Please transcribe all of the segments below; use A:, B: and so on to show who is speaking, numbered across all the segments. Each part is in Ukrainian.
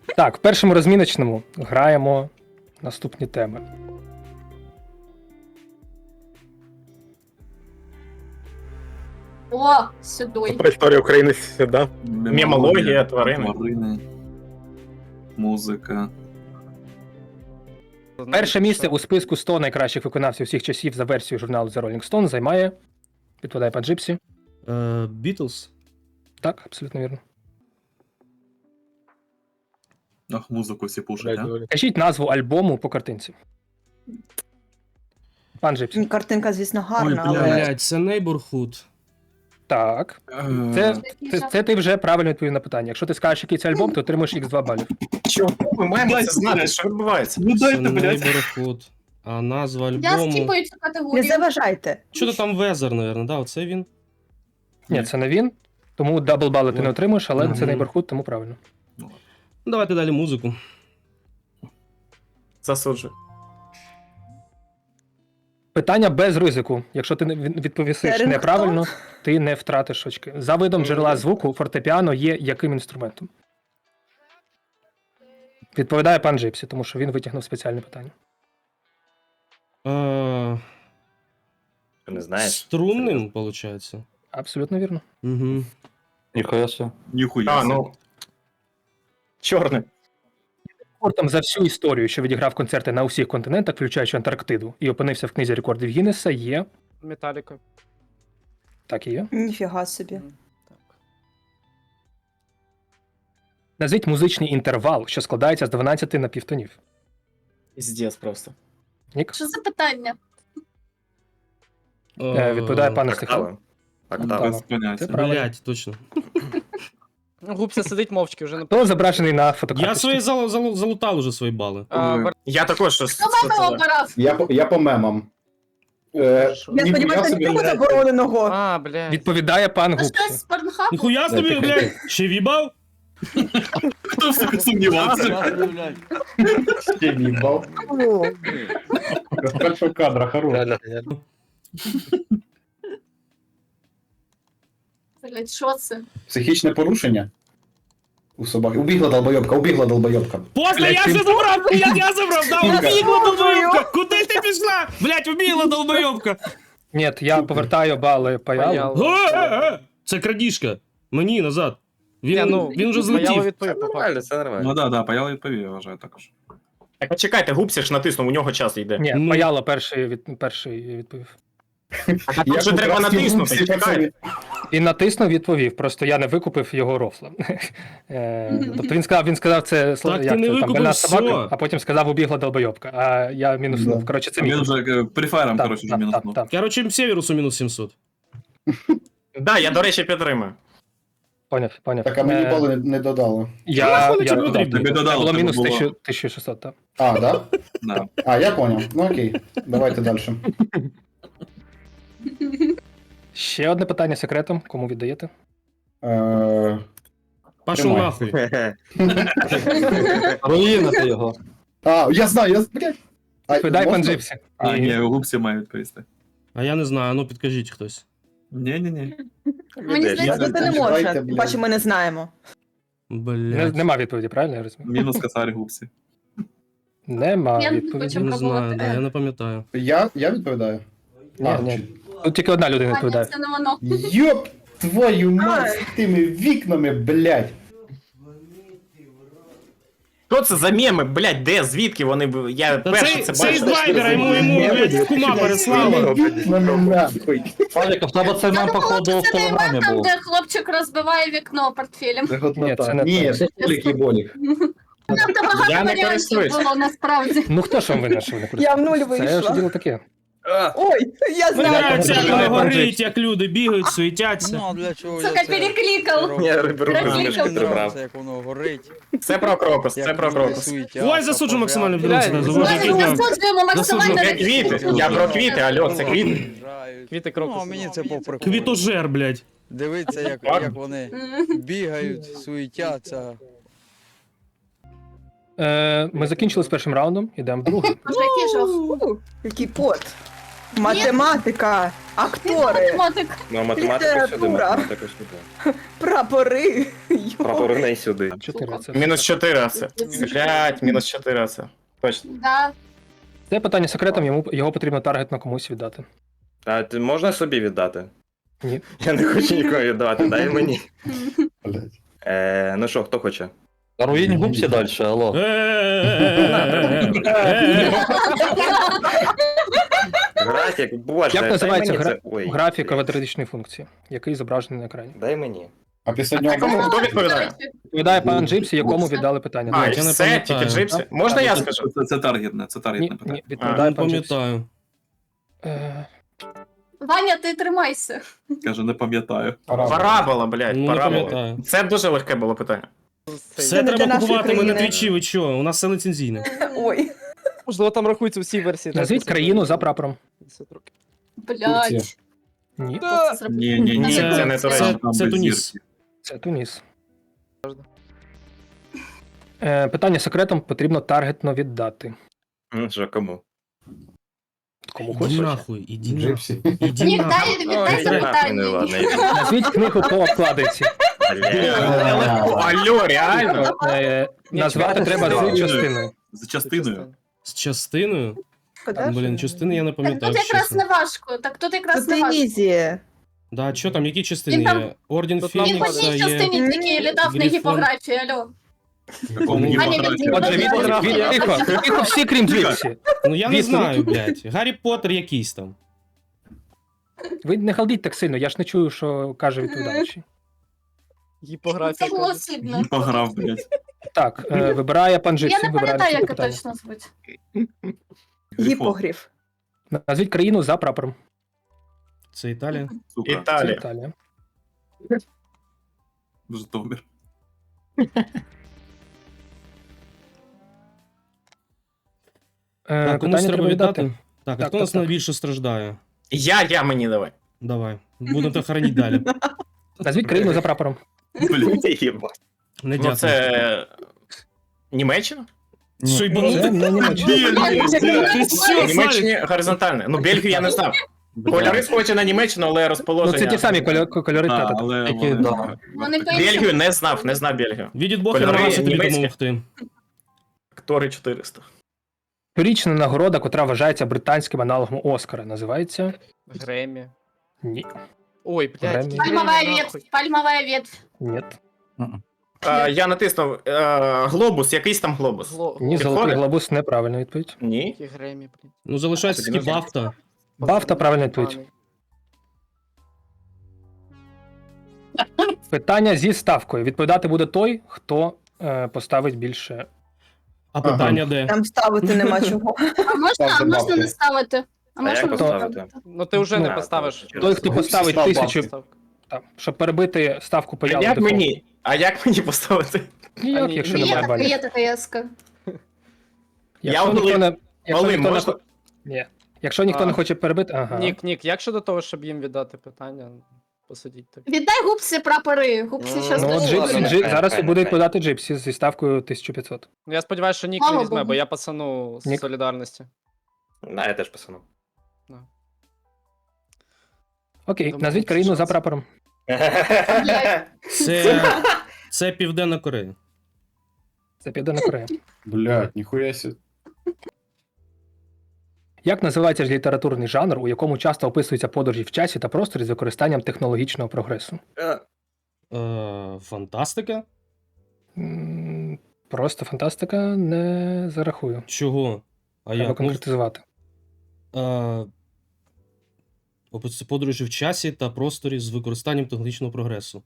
A: Так, в першому розміночному граємо наступні теми.
B: О, сюди.
C: Про історію України сюди. Мемологія, тварини.
D: Музика.
A: Перше місце у списку 100 найкращих виконавців всіх часів за версією журналу The Rolling Stone займає, відповідає пан Джипсі.
E: Бітлз?
A: Так, абсолютно вірно.
D: Ах, музику всі пушать, а?
A: Кажіть назву альбому по картинці. Пан Джипсі.
F: Картинка, звісно, гарна,
D: Ой,
F: але
E: Блять, це Neighborhood.
A: Так. Це ти вже правильно відповів на питання. Якщо ти скажеш, який це альбом, ти отримаєш Х2 балів.
C: Чого? Ми маємо це знати, що відбувається.
D: Ну
E: Це
D: дайте, блядь.
E: Neighborhood. А назва
B: Я
E: альбому...
B: скіпаю цю
F: не
B: категорію.
F: заважайте.
E: Що-то там Weather, наверное, да? Оце він?
A: Ні, це не він. Тому дабл бали ти не отримуєш, але це
E: Мгм.
A: Neighborhood, тому правильно.
E: Ну, давайте далі музику.
C: Засуджую.
A: Питання без ризику. Якщо ти відповісиш
F: Це
A: неправильно, ти не втратиш очки. За видом джерела звуку фортепіано є яким інструментом? Відповідає пан Джипсі, тому що він витягнув спеціальне питання.
C: Ти не знаєш?
E: Струнним, виходить.
A: Абсолютно вірно.
E: Угу.
G: Ніхуя себе.
D: Ніхуя.
C: А, ну. Чорне.
A: Рекордом за всю історію, що відіграв концерти на усіх континентах, включаючи Антарктиду, і опинився в книзі рекордів Гіннеса, є.
H: Металіка.
A: Так і є.
F: Ніфіга собі.
A: Назвіть музичний інтервал, що складається з 12 напівтонів.
C: Піздец просто.
A: Нік?
B: Що за питання?
A: Відповідає пан Стехал.
C: Октава. Октава.
A: Октава.
D: Без поняття.
A: Це правильно.
E: Блять, точно.
H: Ну, Губся сидить мовчки вже на
A: Хто зображений на
E: Я
A: фотокарточці?
E: свої залутав уже свої бали.
C: Я також щось.
B: Хто мама обирав?
I: Я по мемам.
F: Я сподіваюся, нічого забороненого.
H: А, блядь.
A: Відповідає пан
B: Це щось
A: Гупсі.
B: з Порнхабу?
E: Ніхуя собі, блядь, ще в'їбав?
D: Хто сука сумнівався?
I: Ще їбав. З першого кадра, хорош.
B: Блядь, що це?
I: Психічне порушення у собаки. Убігла долбойобка.
E: После
A: Блядь,
E: я
A: ти-
E: все забрав, я забрав, да, убігла долбойовка! Куди ти пішла? Блядь, убігла долбойовка!
A: Ні, я повертаю бали Паялу.
E: Це крадіжка. Мені назад.
H: Ні,
E: Він,
H: ну,
E: він вже
H: Паяло
E: злетів.
H: відповів, по факту.
C: Нормально, це нормально.
D: Ну да, Паял відповів, я вважаю також.
C: Так, почекайте, Гупсі ж натиснув, у нього час йде.
A: Ні,
E: Ну.
A: Паяло перший відповів.
C: А тут же треба натиснути, чекайте.
A: Він натиснув, відповів. Просто я не викупив його рофла. Тобто він сказав це
E: Так ти не
A: там
E: викупив
A: больна
E: все.
A: собака, а потім сказав убігла долбойобка. А я мінуснув.
I: Да.
A: Коротше, це
D: Він
A: мінус.
D: вже прифайром,
A: Так,
D: коротше, вже
A: так,
D: мінуснув.
A: так.
E: Короче, Северусу мінус 700.
C: Да, я, до речі, підтримую.
A: Поняв.
I: Так, а мені бали не додали.
A: Я
E: Нахуй тобі
A: додав.
E: потрібно?
D: Тобі
A: Це
D: додали,
A: було
D: тебе
A: мінус
D: було.
A: 1600, так.
I: А, да?
D: Да.
I: А, я понял. Ну окей. Давайте далі.
A: Ще одне питання секретом. Кому віддаєте?
E: Пошов
I: Тримай.
E: нахуй.
G: Руїна ти його.
I: А, я знаю, блядь. А,
A: Відповідає пан
I: можна?
A: Джипсі.
D: А, ні, Гупсі має відповісти.
E: А я не знаю, ну підкажіть хтось.
D: Ні.
B: Мені
I: Я
B: здається,
F: Це не
I: Давайте,
F: може.
I: блядь.
F: Бачимо, ми не знаємо.
E: Блять.
A: Нема відповіді, правильно я розумію?
D: Мінус косарь Гупсі.
A: Нема
B: Я не
A: відповіді.
B: хочу.
E: Не знаю,
B: пробувати.
E: да, я не пам'ятаю.
I: Я відповідаю?
A: Ні. Тут тільки одна людина
B: А, ні,
A: відповідає.
B: це не воно.
I: Йоп твою мать з тими вікнами, блядь.
C: Що це за меми, блядь, де, звідки вони, я
E: Та
C: перше
E: це із
C: бачив.
E: Вайбера, йому, блядь, кума переслали.
I: Вікнами нахуй.
G: Павліка, в тебе цей
B: Я
G: мем,
B: думала,
G: походу, в
B: це не
G: телеграмі
B: мем, там,
G: був.
B: де хлопчик розбиває вікно портфелем.
I: Це
A: Ні,
I: годнота.
A: це не
I: Ні,
A: так.
I: це Толік і Болік.
B: Там багато
C: Я не
B: варіантів
C: користуюсь.
B: було насправді.
A: Ну хто ж вам винен, що ви не
F: Я в нуль
A: користуєтесь? Це ж
F: вийшла.
A: діло таке.
F: Ой, я
E: Мені
F: знаю.
E: нравиться, як
A: Пан
E: воно горить,
A: Джипсі.
E: як люди бігають, суетяться.
J: Ну, а для чого
B: Сука,
J: я це
B: перекликав.
J: роблю?
C: Я беру
B: Мені
C: книжку,
B: не
C: прибрав.
J: Це як воно горить.
C: Це про крокус, це
J: як
C: про
J: люди
C: крокус.
J: суетяться,
E: Ой, засуджу максимально
J: пожарки.
E: білоруси,
H: Блядь,
E: завожу
B: Ми
E: кидав.
B: засуджуємо максимально.
C: Це квіти, я про квіти, алло, це квіти.
J: Приїжджають.
H: Квіти
J: Ну,
H: крокус.
J: а мені це по приколу.
E: Квітожер, блядь.
J: Дивиться, як вони бігають, суетяться.
A: Ми закінчили з першим раундом, ідемо в другий.
B: Боже, який жах.
F: Який пот. Математика, актори,
B: Математик.
C: Ну, математика сюди,
F: Література.
C: математика сюди.
F: прапори.
C: Прапори не сюди.
A: 4 це.
C: Мінус 4 це. Блять, мінус 4 це. Точно.
B: Да.
A: Це питання секретом, його потрібно таргетно комусь віддати.
C: А ти можна собі віддати?
A: Ні.
C: Я не хочу нікого віддавати, дай мені.
I: Блядь.
C: Ну що, хто хоче?
G: Руїнь губсі далі, алло.
C: Графік, боже,
A: Як
C: дай
A: називається
C: мені це. Ой,
A: графік
C: блядь.
A: квадратичної функції, який зображений на екрані?
C: Дай мені.
I: А після нього
C: Кому? Хто відповідає?
A: Відповідає пан Джипсі, якому віддали питання.
C: А,
A: До
C: і
A: речі.
E: не
C: все,
E: пам'ятаю.
C: тільки джипсі. Можна я
A: Так,
C: скажу?
D: Це таргетне, це
A: Ні,
D: таргетне питання.
A: ні, відповідає
E: Не
A: пан Джипсі.
E: пам'ятаю.
B: Ваня, ти тримайся.
D: Каже, не пам'ятаю.
C: Парабола, блядь,
E: Ну, не
C: парабола.
E: пам'ятаю.
C: Це дуже легке було питання.
E: Все
F: не для
E: треба
F: нашої
E: купувати ми на
F: країни.
E: твічі, ви чого? У нас все лицензійне.
F: Ой.
H: Можливо, там рахуються всі версії.
A: Назвіть країну за прапором.
H: 50 років.
B: Блять.
A: Ні,
D: Ні,
C: це не Туреччина.
E: Це Туніс.
A: це Туніс. Питання секретом потрібно таргетно віддати.
C: Ну що, кому?
A: Кому
E: Іди
A: хочеш.
E: нахуй, іди нахуй.
I: Джипсі.
E: Іди
B: Ні,
E: нахуй.
B: дай, віддай
C: Ой,
B: запитання.
C: ну ладно,
A: Назвіть книгу по обкладинці.
C: Алло, реально?
A: Назвати треба з частиною.
D: За частиною.
E: З частиною?
F: Шкода,
E: Блін,
F: що
E: частини я не
B: Так
E: пам'ятаю.
B: тут якраз
E: чесно.
B: не важко. Так тут якраз
F: Це
B: не важко.
F: ізі.
E: Да, що там, які частини
B: Він там-
E: є? Орден
H: Тут нам
B: Він по
E: Фінікса
B: одній
E: є.
B: частині тільки літав на
E: Грифон.
B: гіпографії, алло.
D: Якому
E: Ані,
B: Ані,
D: гіпографії?
B: він-
A: Отже, тихо, всі крім Джипсі.
E: Ну я не
A: Відповідь.
E: знаю, блядь. Гаррі Поттер якийсь там.
A: Ви не халдіть так сильно, я ж не чую, що каже відповідаючий.
H: Гіпографія.
B: Це було сильно.
D: Пограв, блядь.
A: Так, вибирає пан Джипсі.
B: Я не
A: вибирає
B: пам'ятаю,
A: наступне
B: як
A: питання.
B: точно звуть.
F: Гіпогриф.
A: Назвіть країну за прапором.
E: Це Італія.
D: Сука,
A: Це
C: Італія.
A: Італія.
D: Житомир.
E: Так, комусь
A: Питання
E: треба
A: треба віддати.
E: віддати. Так, а
A: Так,
E: хто
A: так,
E: нас
A: так.
E: найбільше страждає?
C: Я мені давай.
E: Давай. Будемо те хоронити далі.
A: Назвіть країну за прапором.
D: Блядь.
C: Єбать.
E: Не
C: Ну
E: дякую.
C: це... Німеччина?
E: Що, й
A: Це не Німеччина.
E: Ти що,
C: Німеччині горизонтальне. Ну, Бельгію я не знав. Кольори схожі на Німеччину, але
A: Ну
C: розположення...
A: це ті самі кольори
D: А,
A: тата.
D: але
G: Які,
D: вони-
G: да.
B: Вони
C: Бельгію не знав Бельгію.
E: Відід Бог
C: Кольори
E: намагався тобі
C: німецькі.
E: допомогти.
C: Актори 400.
A: Щорічна нагорода, котра вважається британським аналогом Оскара, називається...
H: Гремі.
A: Ні.
H: Ой, блядь.
A: Гремі.
H: який
B: Пальмовая
H: Гремі,
B: ветвь.
H: нахуй.
B: Пальмовая ветвь.
A: Ні.
C: Я натиснув глобус, якийсь там глобус.
A: Ні, золотий
C: Підходить?
A: глобус неправильна відповідь.
C: Ні.
H: Який Гремі, блін.
E: Ну залишається
C: Тоді
E: тільки
C: не
E: Бафта.
A: Бафта правильна відповідь. Питання зі ставкою. Відповідати буде той, хто поставить більше.
E: А питання де?
F: Там ставити нема чого.
B: А можна
I: бабки.
B: не ставити? А
C: А як
B: можна
C: поставити?
H: Ну ти вже не
A: Ну,
H: поставиш.
A: Той, хто поставить
I: Став
A: 1000,
H: Ставка.
A: так, щоб перебити ставку по
C: А
A: яву
C: як
A: дефолту.
C: мені? А як мені поставити?
A: Ніяк,
H: Ні,
A: якщо
H: ні,
A: немає балів.
B: Є така яска.
A: Якщо
C: Олим.
A: ніхто не, якщо
C: Олим,
A: ніхто не,
C: можна?
A: ні. Якщо ніхто
H: А.
A: не хоче перебити, ага.
H: Нік, як щодо того, щоб їм віддати питання, посидіть так.
B: Віддай губці прапори. Губці щас
A: Ну, от
B: дуже
A: Джипсі,
B: люблять.
A: зараз
C: Хай,
A: буде
C: хай.
A: відповідати Джипсі зі ставкою 1500.
H: Ну я сподіваюся, що Нік
B: Слава
H: не візьме,
B: Богу.
H: бо я пацану з
A: Нік.
H: солідарності.
C: Да, я теж писану.
A: Окей,
H: Думаю,
A: назвіть
H: це
A: країну за
H: шанс.
A: прапором.
B: Блядь.
E: Це Південна Корея.
A: Це Південна Корея.
I: Блядь, ніхуя сі.
A: Як називається ж літературний жанр, у якому часто описуються подорожі в часі та просторі з використанням технологічного прогресу?
E: Фантастика?
A: Просто фантастика не зарахую.
E: Чого? А
A: Треба
E: як? Ну,
A: конкретизувати.
E: Описується подорожі в часі та просторі з використанням технологічного прогресу.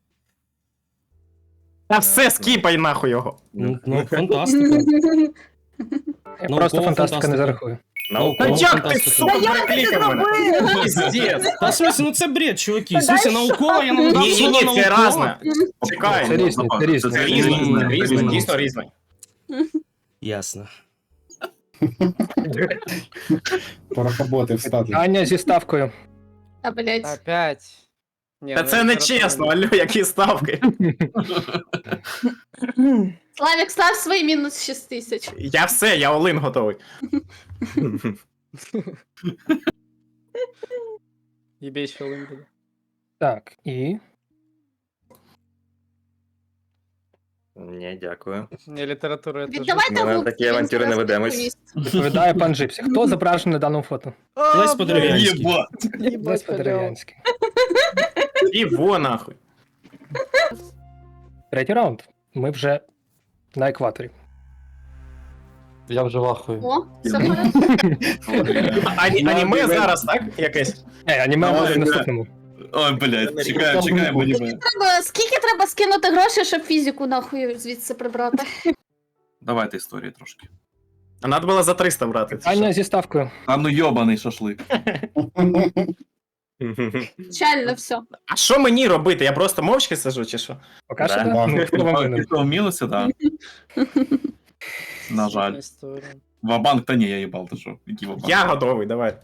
C: Та все, скіпай нахуй його.
E: Ну, фантастика.
A: Я
E: Наукова
A: просто фантастика не
E: фантастика.
A: зарахую.
C: Та
E: Наукова
C: як ти,
E: фантастика.
C: сука, перекликав мене? Піздець.
E: Та в смысле, ну це бред, чуваки. В смысле, наукова, я не надав
C: Ні,
E: слово
C: це
E: наукова.
C: разне. Чекай.
A: Це різне, це різне.
C: Це різне,
E: Різне,
C: різне,
E: різне.
C: дійсно різне.
E: Ясно.
I: Порохоботи встати.
A: Аня зі ставкою.
B: Та, блядь.
H: Опять. Ні,
C: Та
H: ну,
C: це не
H: література
C: чесно, алло, які ставки.
B: Славік, став свої мінус 6000.
C: Я все, я Олин готовий.
H: Єбей, що лим буде.
A: Так, і
G: Ні, дякую.
H: Ні, література я теж.
B: Віддавайте
G: Ми на
B: губці,
G: такі
B: він
G: авантюри
B: зараз
G: не ведемось.
B: відповість.
A: відповідає пан Джипсі. Хто зображений на даному фото?
E: Лесь Подерев'янський.
D: Єба.
A: Лесь Подерев'янський.
C: І во нахуй.
A: Третій раунд. Ми вже на екваторі.
G: Я вже вахую.
B: О, все порядку.
C: Аніме зараз, так? Якесь?
A: Аніме
D: Давай,
A: буде в
D: да.
A: наступному.
D: Ой, блядь, чекаємо аніме.
B: Скільки треба скинути грошей, щоб фізику нахуй звідси прибрати?
D: Давайте історії трошки.
C: А надо було за 300 брати.
A: Аня зі ставкою.
D: А ну йобаний шашлик.
B: Чально все.
C: А що мені робити? Я просто мовчки сижу, чи що?
A: Поки що
G: Да.
A: да. Ну, хто вам винен?
D: Пішов в мінуси, так. На жаль.
H: Історія.
D: Вабанк, та ні, я їбав, ти що? Який вабанк?
C: Я готовий, давай.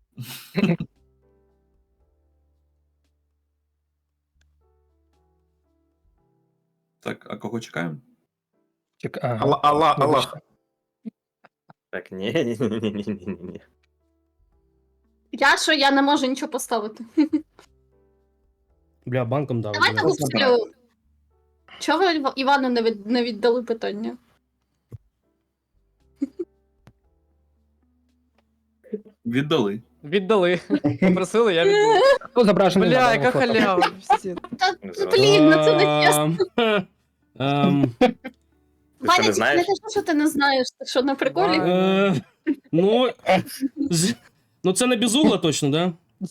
D: Так, а кого чекаємо?
A: Ага.
C: Аллах.
A: Вибачте.
G: Так, ні.
B: Я не можу нічого поставити.
E: Бля, банком дав.
B: Давайте
E: блядь.
B: губцю. Чого ви Івану не віддали питання?
D: Віддали.
H: Віддали. Попросили, я віддав.
A: Хто зображений на
J: Бля,
A: даному
J: яка
A: фото?
J: халява. Пиздец.
B: Блін, ну це не чесно. Ваня,
G: не
B: тільки
G: знаєш?
B: не кажи, що ти не знаєш. Ти що, на приколі?
E: Ну, це не безугла точно, да?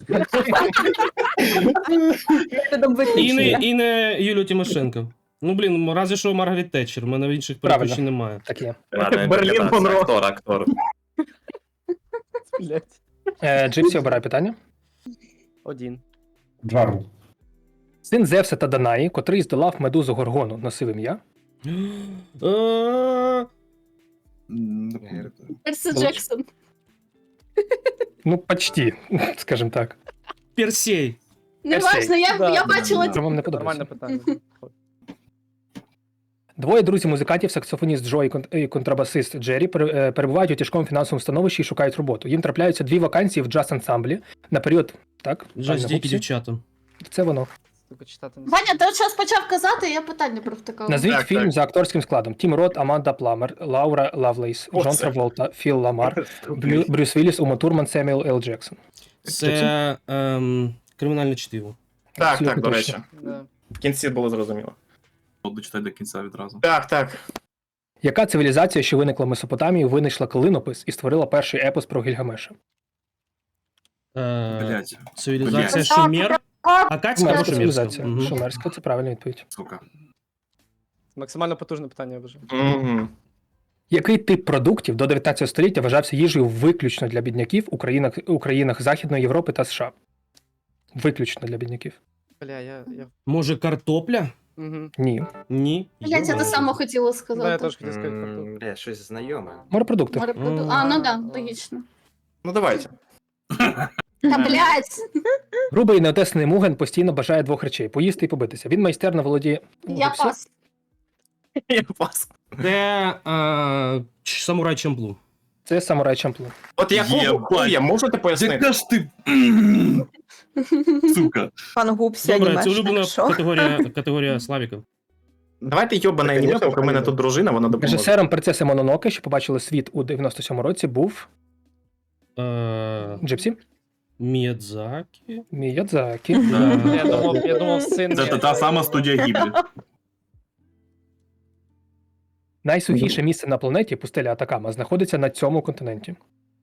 F: Методом виключення.
E: І не Юлію Тимошенко. Ну, блін, разве що Маргарет Тетчер, в мене інших
A: Правильно.
E: переключень немає.
A: Так є.
G: Ладно,
C: Берлін
G: інтерпретація.
C: Монро.
G: Актор.
H: Блять.
A: Джипсі обирає питання.
H: Один.
I: Джару.
A: Син Зевса та Данаї, котрий здолав медузу Горгону, носив ім'я.
D: Не пам'ятаю.
B: Персі Джексон.
A: Ну, почти, скажімо так.
E: Персей.
B: Не важно, я
H: Да.
B: бачила
A: Це вам не подобається.
H: Нормальне питання.
A: Двоє друзів-музикантів, саксофоніст Джо і контрабасист Джері, перебувають у тяжкому фінансовому становищі і шукають роботу. Їм трапляються дві вакансії в джаз-ансамблі на період. Так?
E: Джаз
A: правильно,
E: дикі
A: Гупсі?
E: дівчата.
A: Це воно.
H: Тільки читати не
B: Ваня, ти от зараз почав казати, я питання провтикала.
A: Назвіть
C: Так,
A: фільм
C: так.
A: за акторським складом: Тім Рот, Аманда Пламер, Лаура Лавлейс,
C: О,
A: Джон
C: це.
A: Траволта, Філ Ламар, Брюс Вілліс, Ума Турман, Семюел Л. Джексон.
E: Це кримінальне чтиво.
C: Так,
A: Абсолютно
C: до
A: точно.
C: речі.
H: Да.
C: В кінці було зрозуміло.
D: Дочитай до кінця відразу.
C: Так.
A: Яка цивілізація, що виникла в Месопотамії, винайшла клинопис і створила перший епос про Гільгамеша?
D: Блять,
E: Цивілізація
D: Блядь.
E: Шумер. Акадська
A: Шумерська
E: або
A: цивілізація.
E: Шумерська?
A: Шумерська, це правильна відповідь.
D: сука.
H: Максимально потужне питання вже.
C: Угу.
A: Який тип продуктів до 19 століття вважався їжею виключно для бідняків у країнах Західної Європи та США? Виключно для бідняків.
H: Бля, я...
E: Може, картопля?
H: Угу.
A: Ні.
E: Ні.
B: Я це те саме хотіла
H: Да, я
B: сказати.
H: теж хотів сказати картоплю.
G: Бля, щось знайоме.
A: Морепродукти.
B: А, ну да, логічно.
C: Ну давайте.
B: Та блядь,
A: Грубий і неотесаний Муген постійно бажає двох речей: поїсти і побитися. Він майстерно володіє.
B: я
A: Гупсі?
B: пас.
C: Я пас.
E: Це самурай Чамплу.
A: Це самурай Чамплу.
C: От якого
D: Єбать.
C: хуя, можете пояснити?
D: Яка ж ти... Сука.
F: Пан Гупсі
E: Добре, це
F: анімешник,
E: улюблена
F: що?
E: категорія Славіка.
C: Давайте йобане аніме, поки в мене тут дружина, вона допоможе.
A: Режисером принцеси Мононоке, що побачили світ у 97-му році, був Джипсі
E: Міядзакі.
A: Міядзакі.
H: Я думав, син.
D: Це та сама студія Гіблі.
A: Найсухіше місце на планеті, пустеля Атакама, знаходиться на цьому континенті.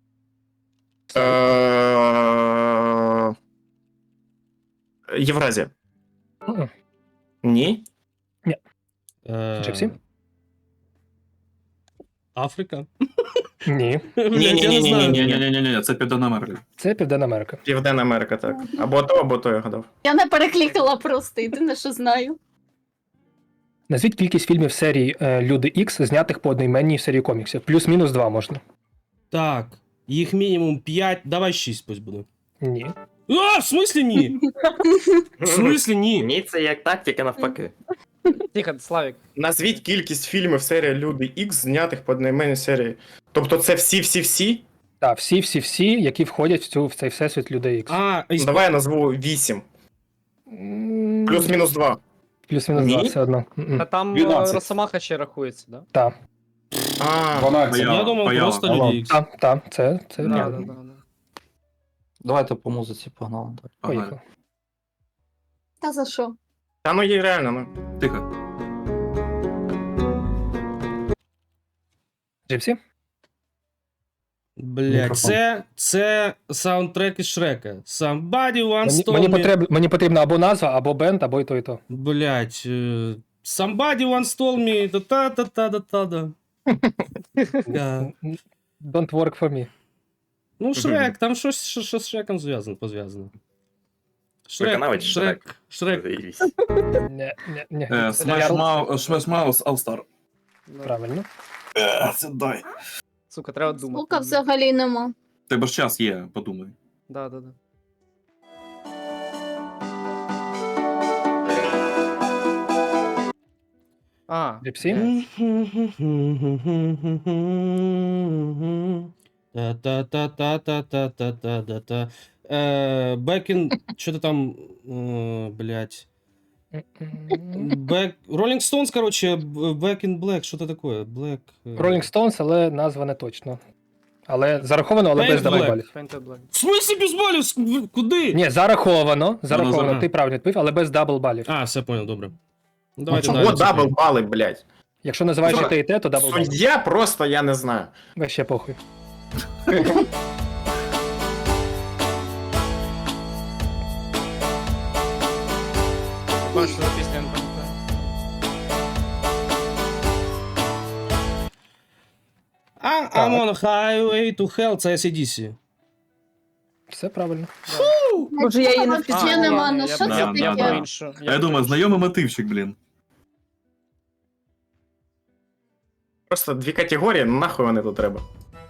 C: Євразія.
A: Мгм.
C: Ні?
A: Джипсі?
E: Африка.
A: Ні.
E: Блядь, я не знаю.
D: Ні, це Південна Америка.
A: Це Південна Америка.
C: Південна Америка, так. Або то я гадав.
B: Я не перекликала просто, єдине, що знаю.
A: Назвіть кількість фільмів серії Люди Ікс, знятих по одноіменній серії коміксів. Плюс-мінус 2 можна.
E: Так. Їх мінімум 5, давай 6 пусть буде.
A: Ні.
E: А, в смислі ні? В смислі ні?
G: Ні, це як тактика навпаки.
H: Тихо, Славік.
C: Назвіть кількість фільмів серії Люди Ікс, знятих по одноіменній серії. Тобто це всі?
A: Так, всі, які входять в цей всесвіт людей X.
E: А, із...
C: Давай я назву 8.
A: М,
C: Плюс-мінус 2.
A: Плюс-мінус 2,
C: Ні?
A: все одно.
H: Та там
I: 12.
H: Росомаха ще рахується, да?
A: Так,
C: А,
I: 12.
E: Я думав,
D: Паяла.
E: просто люди Ікс.
A: так, це
H: Да,
A: реально.
H: да.
G: Давайте по музиці погнали.
A: Поїхали.
B: Та за що?
C: та ну є реально, ну.
D: Тихо.
A: Джипсі?
E: Блядь,
G: Мікрофон.
E: це саундтрек із Шрека. Somebody once told me...
A: Мені потрібна або назва, або бенд, або і то, і то.
E: Блядь, somebody once told me та-та-та-та-та-та. Да.
A: Don't work for me.
E: Ну, Шрек, там щось що з Шреком пов'язано.
G: Виконавець
E: Шрек.
G: Заєбісь.
A: Ні.
D: Smash Mouth All Star.
H: Да.
A: Правильно.
D: Це дай.
H: Сука, треба думати.
B: Звука взагалі нема.
D: Тебе ж час є, подумай.
H: Да. А,
A: Джипсі?
E: Та-та-та-та-та-та-та-та-та. Бекін... Що-то там... Блядь. Rolling Stones, короче, Back in Black, що-то такое. Black...
A: Rolling Stones, але назва не точно. Але зараховано, але
E: Paint
A: без
E: Black.
A: даблбалів.
H: Painted Black.
E: В смысле без балів? Куди?
A: Ні, зараховано,
E: Ага.
A: ти правильно відповів, але без даблбалів.
E: А, все понял, добре. Ну, давайте
C: Чого
E: далі.
C: дабл бали, блядь?
A: Якщо називаєш і
C: Слухай,
A: те, і те, то даблбал.
C: Суддя просто я не знаю.
A: Вообще похуй.
H: Бачу, що за пісня я не пам'ятаю.
E: I'm on a highway to hell, це ACDC.
A: Все правильно.
F: Може, я її не
B: Взагалі
F: впізнала.
B: нема, ну
H: я
B: що
H: б-
B: це
H: я б про
B: таке?
H: іншу.
D: А я думаю, знайомий мотивчик, блін.
C: Просто дві категорії, ну нахуй вони тут треба.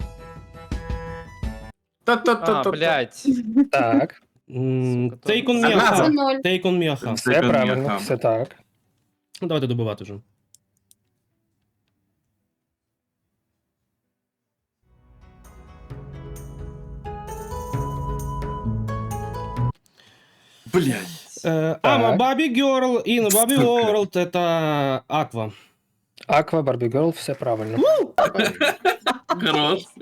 H: А,
C: Та-та-та-та.
H: блядь.
A: Так,
E: Take
H: Сука,
E: on me,
C: Одна
E: аха.
B: Це
C: за-
B: 0.
E: Take on me, аха.
A: все
D: Це
A: правильно,
D: там.
A: все так.
E: Ну, давайте добивати вже.
D: Блядь.
E: I'm a Barbie Girl in a Barbie World, это Аква.
A: Аква, Барбі Герл, все правильно.
D: Хорош.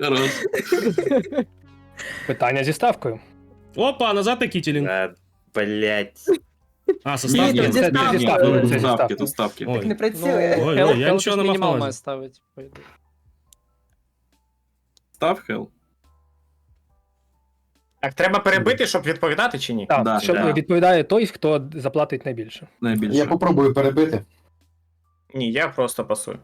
A: Питання зі ставкою.
E: Опа, назад Кітілінг.
G: Блять.
E: А, состав
F: Ні,
E: є.
F: тут зі
A: Це
F: ставки.
A: зі ставкою, це зі
D: Ставки,
A: ставкою.
D: то ставки.
E: Ой.
F: Не працює.
E: Ой,
H: Hell-
E: я
H: Hell
E: нічого не
H: ж
E: мав
H: мінімал
E: на
H: має
E: увазі.
H: ставити. по ідеї.
D: Став хел?
C: Так, треба перебити, щоб відповідати чи ні?
A: Так,
D: Да,
A: що
D: да.
A: відповідає той, хто заплатить найбільше.
D: Найбільше.
I: Я попробую перебити.
C: Ні, я просто пасую.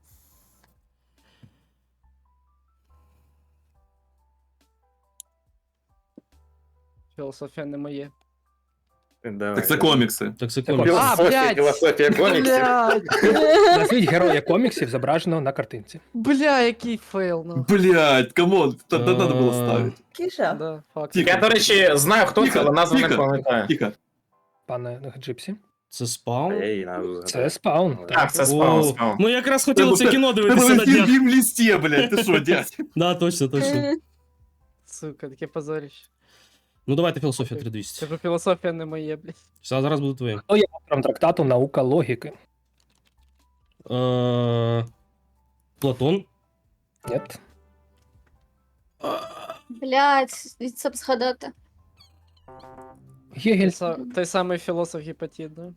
H: Філософія не моє.
C: Давай.
D: Так це комікси.
E: Так, це
A: Це
E: комікс.
H: А, блядь!
C: Філософія коміксів.
H: Блядь!
A: Назвіть героя коміксів, зображеного на картинці.
H: Бля, який фейл, ну.
D: Блядь, камон, та треба було ставити.
F: Кіша.
H: Да, факт.
C: Я, до речі, знаю, хто це,
D: Тихо,
C: але назву не
D: тихо.
C: пам'ятаю.
D: Тихо.
A: Пане Джипсі.
E: Це спаун?
A: Це спаун.
C: Так, це спаун,
E: О,
C: спаун.
E: Ми якраз хотіли це кіно
D: Тебе
E: дивитися на днях.
D: в листі, блядь, ти що, дядь?
E: Да, точно.
H: Сука, таке позорище.
E: Ну давайте філософія
H: Це
E: 3200.
H: ж філософія не моє, блядь.
E: Все, зараз буде твоє.
A: Хто є автором трактату «Наука логіки»?
E: Платон.
A: Ні.
B: Блядь, це б згадати.
A: Гегель.
H: Той самий філософ Гіпатіт, да?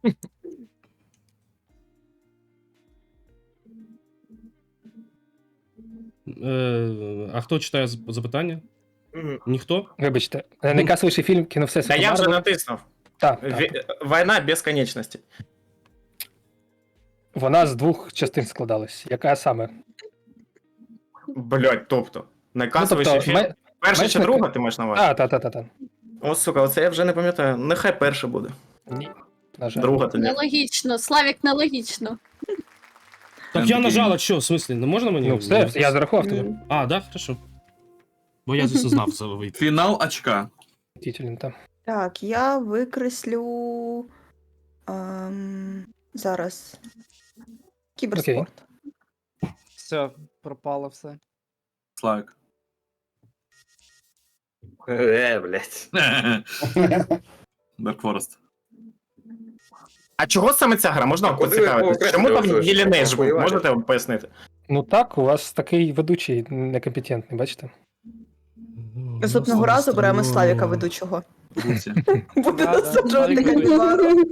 E: А хто читає запитання? Ніхто?
A: Вибачте, найкасовіший фільм кіно
C: Та
A: всесвіту
C: я вже
A: Марвел.
C: натиснув.
A: Так,
C: Війна безконечності.
A: Вона з двох частин складалась. Яка саме?
C: Блять, тобто. Найкасовіший
A: тобто,
C: фільм. Перша чи
A: Мечник-
C: друга, ти маєш на увазі?
A: Та.
C: О, сука, оце я вже не пам'ятаю. Нехай перша буде.
A: Ні, на жаль.
C: Друга тоді.
B: Нелогічно. Славік, нелогічно.
E: Так я нажала, що, в смислі, не можна мені?
A: Ну все, я зарахував тобі.
E: А, да, хорошо. Бо я звісно знав за вийти.
D: Фінал очка.
A: Тітелін, та.
F: Так, я викреслю. Зараз. Кіберспорт.
H: Все, пропало все.
D: Слайк.
G: Блядь.
D: Dark Forest.
C: А чого саме ця гра? Можна
G: Куди ви
C: поцікавитись?
G: окреслювали,
C: Чому там
G: що
C: Єлінейш був?
G: воювати?
C: Можете пояснити?
A: Ну так, у вас такий ведучий некомпетентний, бачите?
F: Наступного разу беремо Славіка ведучого.
D: Гупсі.
F: Буде
H: Да, да,
F: насаджувати
H: Славік
F: Кальмару.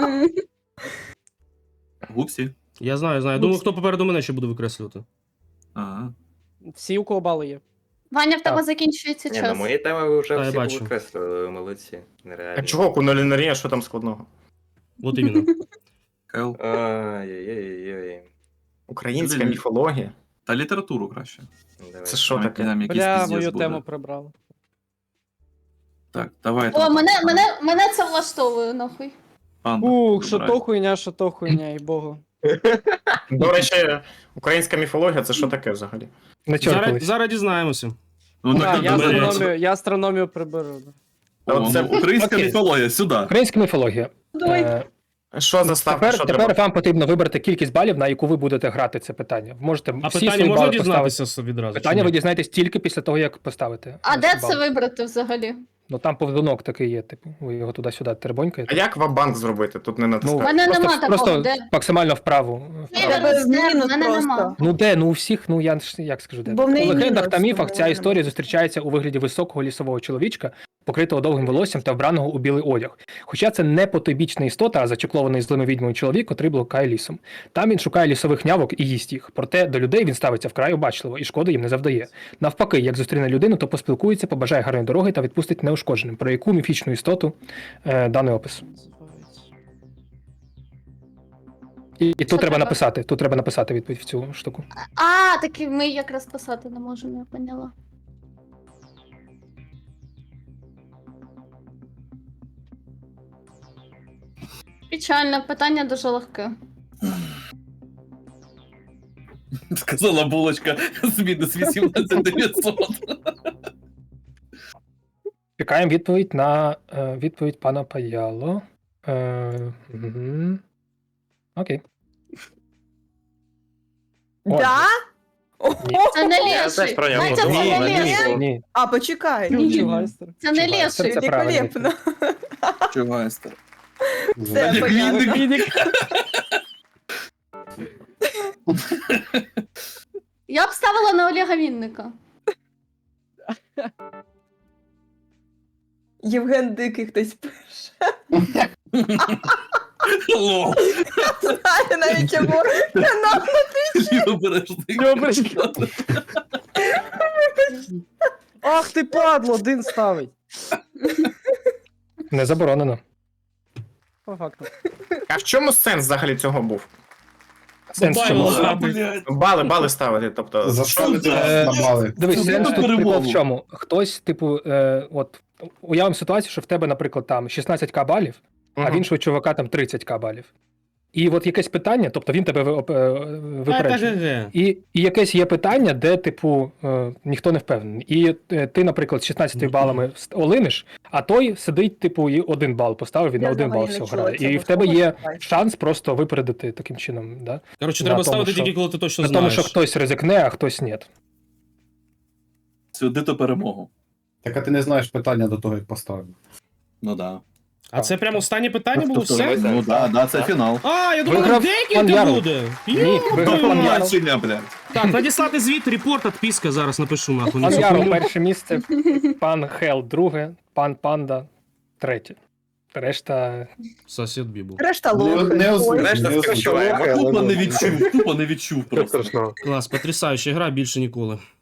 D: Гупсі.
E: Я знаю. Думаю, хто попереду мене ще буде викреслювати.
D: Ага.
H: Всі, у кого бали є.
B: Ваня, в тебе
A: Так.
B: закінчується
G: Ні, на
B: час.
G: мої теми ви вже
E: Та, я
G: всі
E: бачу.
G: викреслили, ви молодці.
C: А
G: Нереально.
C: чого кунолінарія, що там складного?
E: От іменно.
D: Кел.
G: Ай-яй-яй-яй.
C: Українська
D: Блін.
C: міфологія.
D: Та літературу краще.
G: Давай.
C: Це що таке?
D: Там якийсь
H: Бля,
D: піздець
H: мою
D: буде.
H: тему прибрали.
D: Так, давайте.
B: О, мене це влаштовує, нахуй.
D: Панда,
H: Ух, що
D: вибирай.
H: то хуйня, і богу.
C: До речі, українська міфологія це що таке взагалі?
A: Не чоркались.
E: Зараз дізнаємося.
D: Ну,
H: Так,
D: так,
H: я астрономію приберу.
C: Це
D: Українська
A: окей.
D: міфологія, сюди.
A: Українська міфологія.
F: Давай.
C: що за ставка? Що
A: Тепер
C: треба?
A: вам потрібно вибрати кількість балів, на яку ви будете грати це питання. Можете
E: А
A: всі
E: питання
A: свої
E: можна
A: бали поставити.
E: дізнатися відразу?
A: Питання
E: чи
A: ви
E: ні?
A: дізнаєтесь тільки після того, як поставите.
B: А де
A: бал.
B: це вибрати взагалі?
A: Ну там повідунок такий є, типу, ви його туди-сюди тербонькаєте.
C: А як ва-банк зробити? Тут не
A: Ну,
C: натискати.
B: мене
A: просто,
B: нема такого,
A: просто
B: де?
A: максимально вправо.
B: Ні,
A: вправо.
F: Тебе в
B: Де?
F: мінус
B: Мене нема.
F: просто.
A: Ну де? Ну у всіх, ну я ж як скажу, де.
F: Бо в
A: У
F: неї
A: легендах
F: мінус,
A: та міфах
F: тому
A: ця
F: вона
A: історія
F: нема.
A: зустрічається у вигляді високого лісового чоловічка, покритого довгим волоссям та вбраного у білий одяг. Хоча це не потойбічна істота, а зачеклований злими відьмою чоловік, котрий блукає лісом. Там він шукає лісових нявок і їсть їх. Проте до людей він ставиться вкрай обачливо і шкоди їм не завдає. Навпаки, як зустріне людину, то поспілкується, побажає гарної дороги та відпустить неушкодженим. Про яку міфічну істоту даний опис. І тут
B: Що
A: треба
B: треба?
A: написати. Тут треба написати відповідь в цю штуку.
B: А, таки ми якраз писати не можемо, я поняла. Печально, питання дуже легке.
D: Сказала булочка з мінус 18900.
A: Чекаємо відповідь на відповідь пана Паяло. Мгм. Окей. О,
F: Да?
A: Ні.
B: Це не
G: Я теж
B: леший.
G: про нього
B: Знаєте, це
G: думав,
B: не
G: але ні.
B: леший.
A: Ні.
F: А, почекай.
H: Чугайстер.
B: Це не
A: Чувак,
B: леший.
A: це правильно.
F: Великолепно.
D: Чувайстер.
F: Все понятно.
B: Я б ставила на Олега Вінника.
F: Євген Дикий хтось пише.
D: Лол.
F: Знаю навіть його канал.
H: Ах ти падло, один ставить.
A: Не заборонено.
H: По факту.
C: А в чому сенс взагалі цього був?
A: Сенс в
E: Бабай,
A: чому?
E: ладно.
C: Бали ставити, тобто.
I: За що ви
A: Е,
I: це набали?
A: Дивись,
D: Це
A: сенс
D: не
A: тут прикол
D: перемогу.
A: в чому? Хтось, типу, от уявимо ситуацію, що в тебе, наприклад, там 16к балів, а в іншого чувака там 30к балів. І от якесь питання, тобто він тебе випереджує. І якесь є питання, де, типу, ніхто не впевнений. І ти, наприклад, з 16 балами олиниш, а той сидить, типу, і 1 бал поставив, він на
F: Я
A: 1 бал
F: взагалі не
A: всього
F: чула
A: грає.
F: цього
A: І в тебе
F: слова,
A: є
F: давай.
A: шанс просто випередити таким чином. Да?
E: Коротше,
A: На
E: треба
A: тому,
E: ставити
A: що-
E: тільки, коли ти точно
A: На тому,
E: знаєш.
A: що хтось ризикне, а хтось ні.
D: Сюди то перемогу.
I: Так а ти не знаєш питання до того, як поставив.
D: Ну да.
E: А це прямо останнє питання було все?
D: Ну да, це фінал.
E: А, я думав,
A: Виграв пан
E: декілька
A: Ярл.
E: буде.
A: Ні,
E: Йо,
A: виграв
E: твою
A: пан
E: мать.
A: Ярл.
D: Бачення, блядь.
E: Так, надіслати звіт, репорт, відписка, зараз напишу нахуй. на
A: Пан
E: цю
A: Ярл
E: хуйню.
A: перше місце, пан Хел друге, пан Панда третє. Решта
E: Сосед Бібу.
F: Решта лохи.
I: Не
F: Ой.
I: озвучуй,
G: Решта
I: не
G: скричуває.
I: озвучуй.
D: Тупо не відчув просто.
E: Клас, потрясаюча гра, більше ніколи.